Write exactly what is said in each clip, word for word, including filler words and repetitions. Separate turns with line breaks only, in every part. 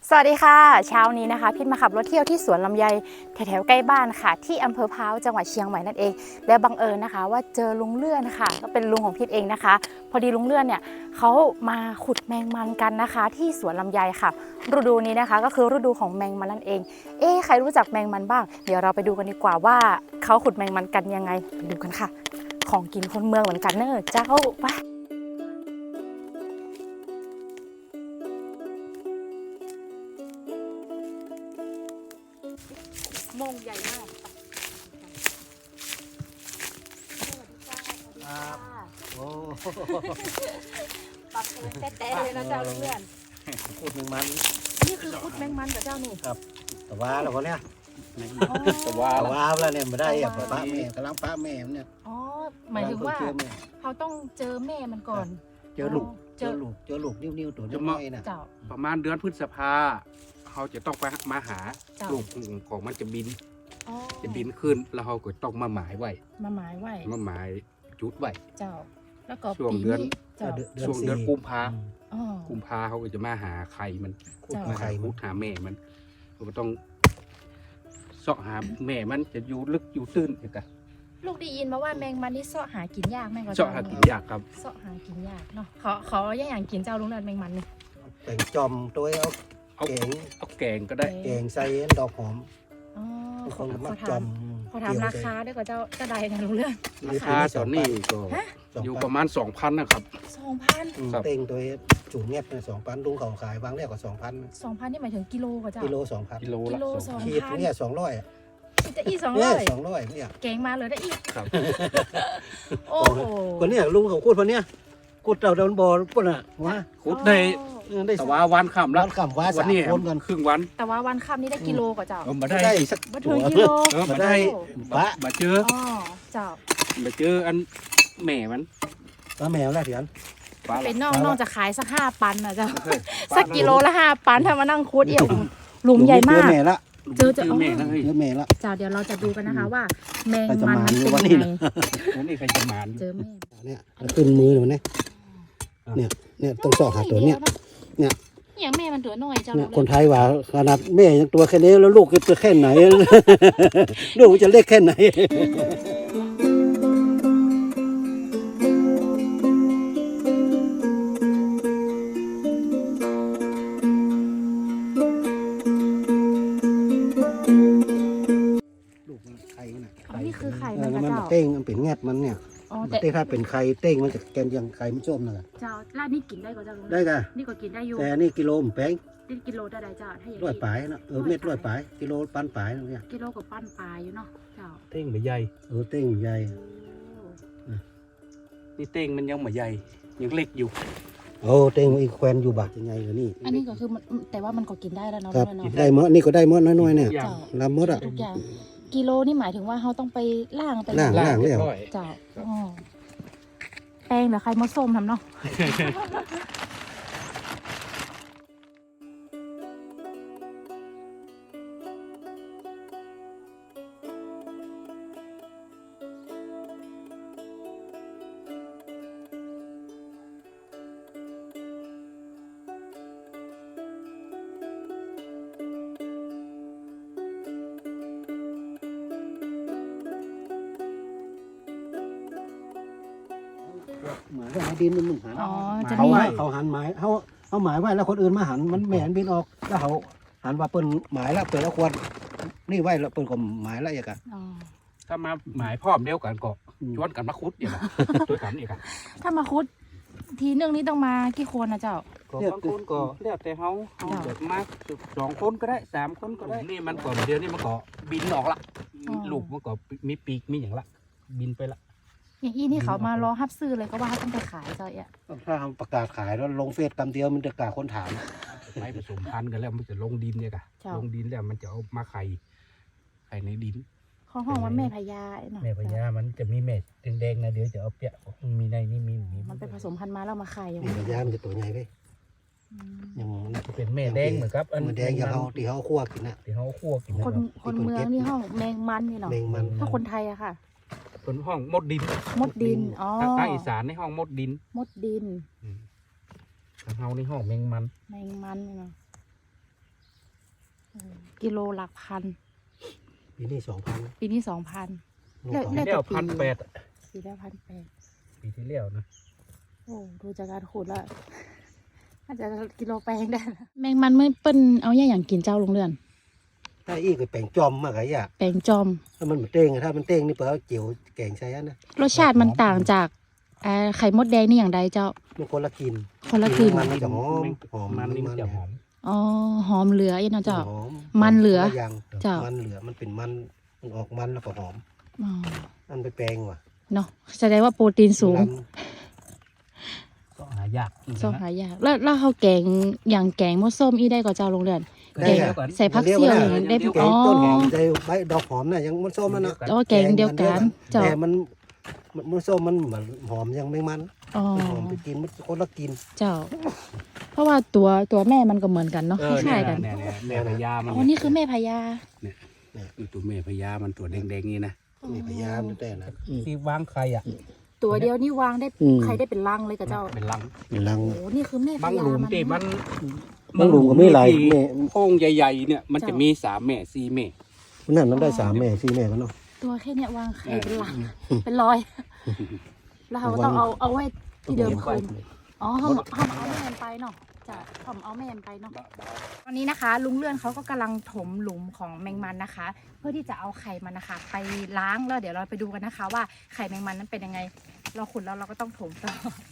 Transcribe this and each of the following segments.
สวัสดีค่ะเช้านี้นะคะพิษมาขับรถเที่ยวที่สวนลำไยแถวๆใกล้บ้านค่ะที่อำเภอพร้าวจังหวัดเชียงใหม่นั่นเองและบังเอิญนะคะว่าเจอลุงเลื่อนค่ะก็เป็นลุงของพิษเองนะคะพอดีลุงเลื่อนเนี่ยเขามาขุดแมงมันกันนะคะ ที่สวนลำไยค่ะฤดูนี้นะคะก็คือฤดูของแมงมันนั่นเองเอ๊ะใครรู้จักแมงมันบ้างเดี๋ยวเราไปดูกันดีกว่าว่าเขาขุดแมงมันกันยังไงไปดูกันค่ะของกินคนเมืองเหมือนกันเนอะเจ้าไปมงใหญ่มาก
ครับโอ้
ปักเลยแต้ๆเลยนะเจ้าเพื่อน
พูดหนึ่งมัน
นี่คือพุดแมงมันกับเจ้านี่
ครับแต่ว่าเราคนเนี้ย
แต่ว่า
แต่ว่าแล้วเนี่ยไม่ได้อะป้าแม่กำลังป้าแม่เนี่ย
อ๋อหมายถึงว่า
เจอแม่
เขาต้องเจอแม่มันก่อน
เจอลูกเจอลูกเจอลูกนิ้วๆตัวน้อยๆน่ะ
เจ้า
ประมาณเดือนพฤษภาเขาจะต้องไปมาหา
เจ้า
ลูกของมันจะบิน
อ๋อ
จะบินขึ้นแล้วเขาก็ต้องมาหมายไว้
มาหมายไว้
มาหมายจุดไว้
เจ้า แล้วก็
ช่วง
ปี
เดือน
นี้เจ้า
ช่วงเดือนกุมภา
อ๋อ
กุมภาเขาก็จะมาหาไข่มัน
ขุด
เจ้า
มา
ไข่
หา
มุ
พุ
ด
ดหาแม่มันเขาก็ต้องเสาะหาแม่มันจะอยู่ลึกอยู่ตื้นเอกะ
ลูกได้ยินมาว่าแมงมันนี่เสาะหากินยากแม่งก็
เสาะหากินยากครับ
เสาะหากินยากเนาะขอขออย่างอย่างกินเจ้าลุงเลิศแมงมันนี่
แต่งจอมตัวเอา
เอา
แกง
เอาแกงก็ได้
แกงใส่ดอกหอม
อ๋อ
ทุก
ข
ค
อน
ก็
ข
มา
อ
จอ
ถาม
ม
ขอถามราคาด้วยกว่าเจ้าเจ้าใดนะลุงเลิศ
ราคาตอนนี้ก็อยู่ประมาณสองพันนะครับ
สองพัน
ครับ
เต่งตัวจูงเงียบสองพันลุงเขาขายวางแรกกว่าสองพัน
สองพันนี่หมายถึงกิโลกว่าเจ้า
กิโลสองพัน
กิโล
กิ
ละ
โล
สอง
สอง
ขีดเนี่ยสองร้อย
คิดจะอีสอง
เนี่
ร้
ย
อย
สองร้อยเนี่ย
เก่งมาเลยได้อีก
ครับ
โอ้โห
คนเนี้ยลุงเขาพูดคนเนี้ยกูเต่าเดินบอลปุ่นอ่ะว่า
ขุดได้
ได้
แต่ว่าวันค่ำ
ร้า
ละ
นคำว่า
วั
สาน ม
นี้
คนกัน
ครึ่งวัน
แต่ว่าวันค่ำนี่ได้กิโลกว่าเจ้า
เอามาได้
ได้สัก
มาถึงกิโล
เออมาได้
บะ
มาเจอ
อ๋อเจ้า
มาเจออันแม่มัน
ปลาแมวแล้วเถียน
ปลา
เป็นน้อง
ปลา
น้องจะขายสักห้าปันนะเจ้า
เฮ้ย
สักกิโลละห้าปันถ้ามานั่งคูดเอี่ยวหลุมใหญ่มา
เจอก แม่ละ
เจอเจอ
แม่นะเฮ้ย
เจอแม่ละ
เจ้าเดี๋ยวเราจะดูกันนะคะว่า แมง
ใครจะ
มัน
มา
มัน
อยู่
เป็น
วัน
ยัง
นี้
ไง
นะ
วันนี้ใครจะมาน
เจอแม่
เนี่ยขึ้นมือเลยเนี่ยเนี่ยเนี่ยต้องสอกหาตัวเนี่ย เนี่ย
อย่างแม่มันตัวน้อยเจ้า
เนี่ยคนไทยว่าขนาดแม่ยังตัวแค่นี้แล้วลูกจะแค่ไหน ลูกจะเล็กแค่ไหน ลูกมันไข่น่ะ
อ๋อนี่คือไข่
เอ
มั
อน แล้ว
กระ
มัน
เจ้า
เต้งมันเป็นแงดมันเนี่ย
อ๋อ
มัน
แต่
เต้งถ้าเป็นไข่เต้งมันจะแกนยังไข่มันส้มน่ะ
เจ้าลาดนี่กินได้กว่าเจ้าลุง
ได้กะ
นี่ก็กินได้อยู่
แต่นี่กิโลมนแป้ง
นี่กิโลได้ได้เจ้าถ้าอย่าง
ร้อย
นี้
ปลายนะเออเม็ดร้อยปลายกิโลปันปลายเนี่ย
กิโลกับปั้นปลาอยู่เนาะเจ้า
เต้งมาใหญ่
เออเต้งใหญ่
นี่เต้งมันยังมาใหญ่ยังเล็กอยู่
โอ้เต้งอีกแควนอยู่บักยังไงกว่านี่
อันนี้ก็คือมันแต่ว่ามันก็กินได้แล้วเนาะ
ครับ
ลุงเนาะ
ได้หมดนี่ก็ได้หมดน้อยๆเนี่ย
อย่าง
เจ้า
ลำหมดอ่ะ
ทุกอย่างกิโลนี่หมายถึงว่าเขาต้องไปล่างไป
ล่าง
ล่างเรียบร้อย
เจ้าอ๋อแป้งหรือใครมดส้มทำเนาะ
หมายว่าดินมันหัน
อ๋อจะ
เขา
มี
ว่าเขาหันหมายเขาเขาหมายไว้แล้วคนอื่นมาหันมันแหมนบินออกแล้วเขาหันว่าเปิ้นหมายแล้วเปิดแล้วควรนี่ไว้แล้วเปิ้นก็หมายแล้วอย่างกัน
อ๋อ
ถ้ามาหมายพร้อมเดียวกันก็ชวนกันมาคุดอย่างด้วยกันอีกอะ
ถ้ามาคุดทีนึงนี่ต้องมากี่คนนะเจ้า
ก็บางคนก็แล้วแต่เขาเขา
จ้ะ
แบบมาสองคนก็ได้สามคนก็ได้นี่มันก็เดียวนี่มันก็บินออกละ
อ๋อ
ลูกมันก็มีปีกมีอย่างละบินไปละ
อย่างอี้นี่เขามารอฮับซื้อเลยก็ว่าเขาต้องไปขายเจ้าเอ่ะ
ถ้าประกาศขายแล้วลงเฟซกำเดียวมันจะกล้าคนถาม
ไปผสมพันธุ์กันแล้วมันจะลงดินเนี่ยกะ
เจ้า
ลงดินแล้วมันจะเอามาไข่ไข่ในดิน
เขาห้องว่าแม่พญาไอ้หน่อย
แม่พญามันจะมีเม็ดแดงๆนะเดี๋ยวจะเอาเปียกมีในนี่มีมี
มันไปผสมพันธุ์มาแล้วมาขายอย่าง
นี่
นี้
ระยะมันจะตัวใหญ่ไป
อืม
อย่างนั้น
จะเป็นแม่แดงเหมือนครับอัน
มันแดงอย่างเขาที่เขาคั่วกินน่ะ
ที่เขาคั่วกินนะ
คน
ครับ
คนเมืองนี่ห้องแมงมันนี่เนาะ
แมงมัน
ถ้าคนไทยอะค่ะ
เป็นห้องมดดิน
มดดินอ๋อ
ทางอีสานในห้องมดดิน
มดดิน
ทางเฮาในห้องแมงมัน
แมงมันนี่เนาะกิโลหลักพัน
ปีนี้สองพัน
ปีนี้สองพัน
ลูก
แล้ว
เขา
ปีที่แล้วพันแปด
ปีละพันแปด
ปีที่แล้วนะ
โอ้ดูจากการขุดแล้วน่าจะกิโลแปลงได้นะแมงมันไม่เปิ้นเอาแย่อย่างกินเจ้าลงเรือน
ถ้าอีกก็แปลงจอมมากไอ้ยะ
แปลงจอม
ถ้ามันเหมือนเต้งอะถ้ามันเต้งนี่เปล่าเจียวแกงใช้อันนะ
รสชาติมันต่างจากเอ่อไข่มดแดงนี่อย่างใดเจ้า
มันคนละกิน
คนละกลิ่น
มันจะหอมหอม
มันนี่มันจะหอม
อ๋อหอมเหลืออีกเนาะเจ้า
หอม
มันเหลือ
คนละอย่าง
เจ้า
มันเหลือมันเป็นมันมันออกมันแล้วก็หอม
อ๋อ
อันไปแปลงว่ะ
เนาะแสดงว่าโปรตีนสูง
ล
ก็หายาก
ส้มหายากแล้วแล้วเขาแกงอย่างแกงมดส้มอีได้ก็เจ้าลงเรือน
ำได้
แกง
อะ
ใส่ผักเสี่ยวอย่างนี้ได้
แก
อ๋
ง
อ
ต้นหอมได้ใบดอกหอมน่ะยังมันส้มมันนะ
อ๋อแกงเดียวกันเจ้า
แต่มันมันมันส้มมันเหมือนหอมยังไม่มัน
อ๋อ
หอมไปกินมันคนละกิน
เจ้า เพราะว่าตัวตัวแม่มันก็เหมือนกันเนาะ
เอ
ค
อเนี่
ล้าย ยๆกัน
เนี่ยเนี่ยแม่พญามัน
อ๋อนี่คือแม่พญา
คือตัวแม่พญามันตัวแดงๆนี่นะ
นี่พยายามแต่นะ
ที่วางไข่อ่ะ
ตัวเดียวนี่วางได้
อืม
ใครได้เป็นลังเลยกับเจ้า
เป็นลัง
นี่ลัง
โอ้นี่คือแม่พ
บาง
ญา
หลุม
มัน
ที่มัน
บางหลุมก็ไม่หลายแม่
โอ่งใหญ่ๆเนี่ยมันจะมีสามแม่สี่แม่
มันนั่นมันได้สามแม่สี่แม่กันเนาะ
ตัวแค่เนี้ยวางไข่เป็นลังเป็นร้อย แล้วเราก็ต้องเอาเอาไว้ที่เดิมคืนอ๋อเขาเขาเอาแม่มันไปเนาะจ้ะผมเอาแม่มันไปเนาะ ตอนนี้นะคะลุงเลื่อนเขาก็กำลังถมหลุมของแมงมันนะคะ เพื่อที่จะเอาไข่มันนะคะ ไปล้างแล้วเดี๋ยวเราไปดูกันนะคะ ว่าไข่แมงมันนั้นเป็นยังไง เราขุดแล้วเราก็ต้องถมต่อ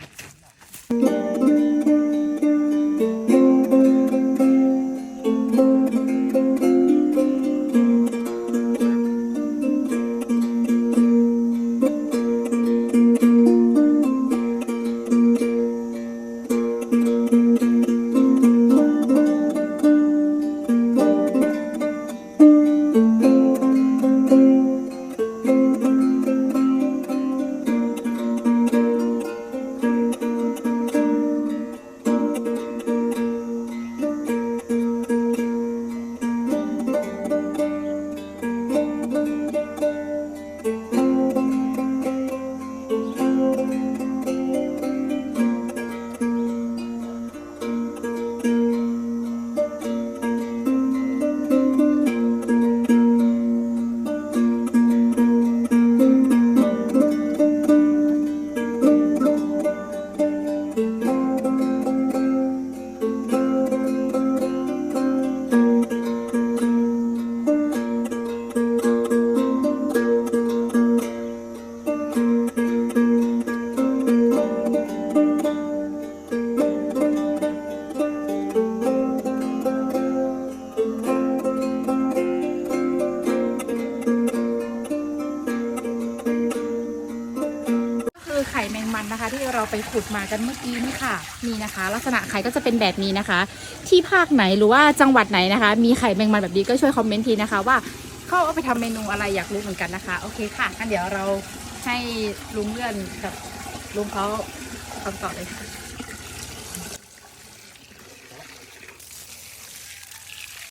คือไข่แมงมันนะคะ ที่เราไปขุดมากันเมื่อกี้นี่ค่ะนี่นะคะ ลักษณะไข่ก็จะเป็นแบบนี้นะคะ ที่ภาคไหนหรือว่าจังหวัดไหนนะคะ มีไข่แมงมันแบบนี้ก็ช่วยคอมเมนต์ทีนะคะ ว่าเขาเอาไปทำเมนูอะไรอยากรู้เหมือนกันนะคะโอเคค่ะงั้นเดี๋ยวเราให้ลุงเลื่อนกับลุงเขาคำตอบเลยค่ะ